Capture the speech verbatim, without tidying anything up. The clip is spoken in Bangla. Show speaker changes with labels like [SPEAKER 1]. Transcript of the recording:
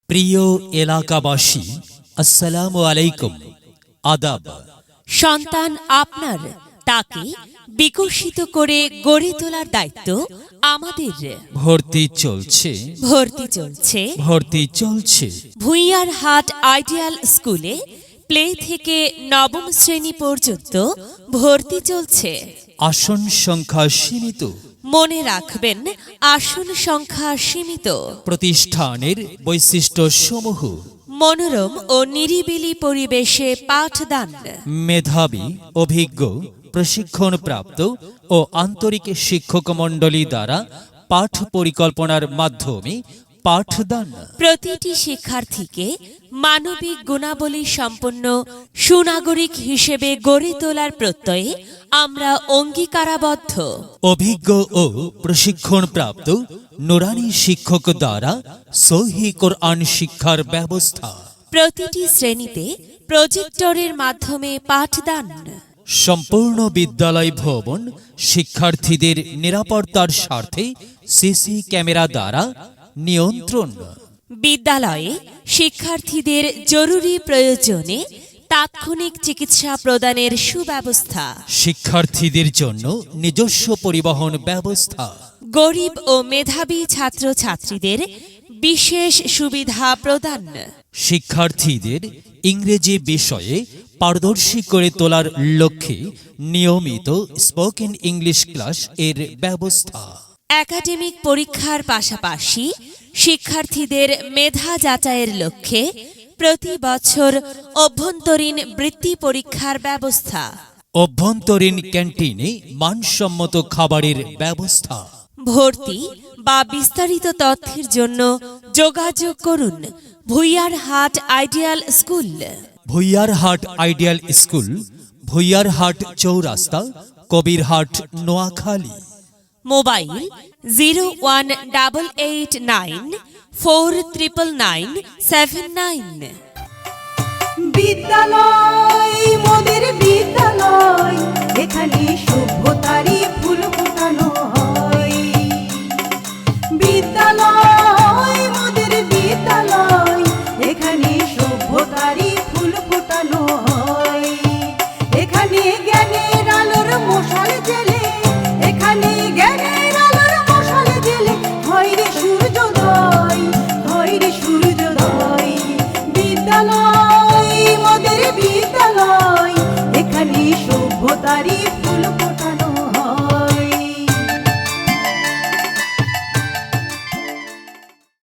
[SPEAKER 1] প্রিয় এলাকাবাসী, আসসালামু আলাইকুম, আদাব।
[SPEAKER 2] সন্তান আপনার, তাকে বিকশিত করে গড়ে তোলার দায়িত্ব আমাদের।
[SPEAKER 1] ভর্তি চলছে
[SPEAKER 2] ভর্তি চলছে
[SPEAKER 1] ভর্তি চলছে
[SPEAKER 2] ভুইয়ার হাট আইডিয়াল স্কুলে প্লে থেকে নবম শ্রেণী পর্যন্ত ভর্তি চলছে।
[SPEAKER 1] আসন সংখ্যা সীমিত।
[SPEAKER 2] মনে রাখবেন, আসন সংখ্যা সীমিত।
[SPEAKER 1] প্রতিষ্ঠানের বৈশিষ্ট্য সমূহ:
[SPEAKER 2] মনোরম ও নিরিবিলি পরিবেশে পাঠদান,
[SPEAKER 1] মেধাবী, অভিজ্ঞ, প্রশিক্ষণপ্রাপ্ত ও আন্তরিক শিক্ষক মণ্ডলী দ্বারা পাঠ পরিকল্পনার মাধ্যমে পাঠদান।
[SPEAKER 2] প্রতিটি শিক্ষার্থীকে মানবিক গুণাবলী সম্পন্ন সুনাগরিক হিসেবে গড়ে তোলার প্রত্যয়ে আমরা অঙ্গীকারাবদ্ধ।
[SPEAKER 1] অভিজ্ঞ ও প্রশিক্ষণপ্রাপ্ত নুরানি শিক্ষক দ্বারা সহি কোরআন শিক্ষার ব্যবস্থা।
[SPEAKER 2] প্রতিটি শ্রেণীতে প্রজেক্টরের মাধ্যমে পাঠদান।
[SPEAKER 1] সম্পূর্ণ বিদ্যালয় ভবন শিক্ষার্থীদের নিরাপত্তার স্বার্থে সিসি ক্যামেরা দ্বারা নিয়ন্ত্রণ।
[SPEAKER 2] বিদ্যালয়ে শিক্ষার্থীদের জরুরি প্রয়োজনে তাৎক্ষণিক চিকিৎসা প্রদানের সুব্যবস্থা।
[SPEAKER 1] শিক্ষার্থীদের জন্য নিজস্ব পরিবহন ব্যবস্থা।
[SPEAKER 2] গরিব ও মেধাবী ছাত্রছাত্রীদের বিশেষ সুবিধা প্রদান।
[SPEAKER 1] শিক্ষার্থীদের ইংরেজি বিষয়ে পারদর্শী করে তোলার লক্ষ্যে নিয়মিত স্পোকেন ইংলিশ ক্লাস এর ব্যবস্থা।
[SPEAKER 2] একাডেমিক পরীক্ষার পাশাপাশি শিক্ষার্থীদের মেধা যাচাইয়ের লক্ষ্যে প্রতি বছর অভ্যন্তরীণ বৃত্তি পরীক্ষার ব্যবস্থা।
[SPEAKER 1] অভ্যন্তরীণ ক্যান্টিনে মানসম্মত খাবারের ব্যবস্থা।
[SPEAKER 2] ভর্তি বা বিস্তারিত তথ্যের জন্য যোগাযোগ করুন ভুইয়ার হাট আইডিয়াল স্কুল।
[SPEAKER 1] ভুইয়ার হাট ideal school, Bhuiyar Hat Chowrasta, Kabirhat, Noakhali.
[SPEAKER 2] Mobile zero one double eight nine four triple nine seven nine.
[SPEAKER 3] বিদ্যালয় মোদের বিদ্যালয়, এখানে সভ্যতারই ফুল ফোটানো হয়।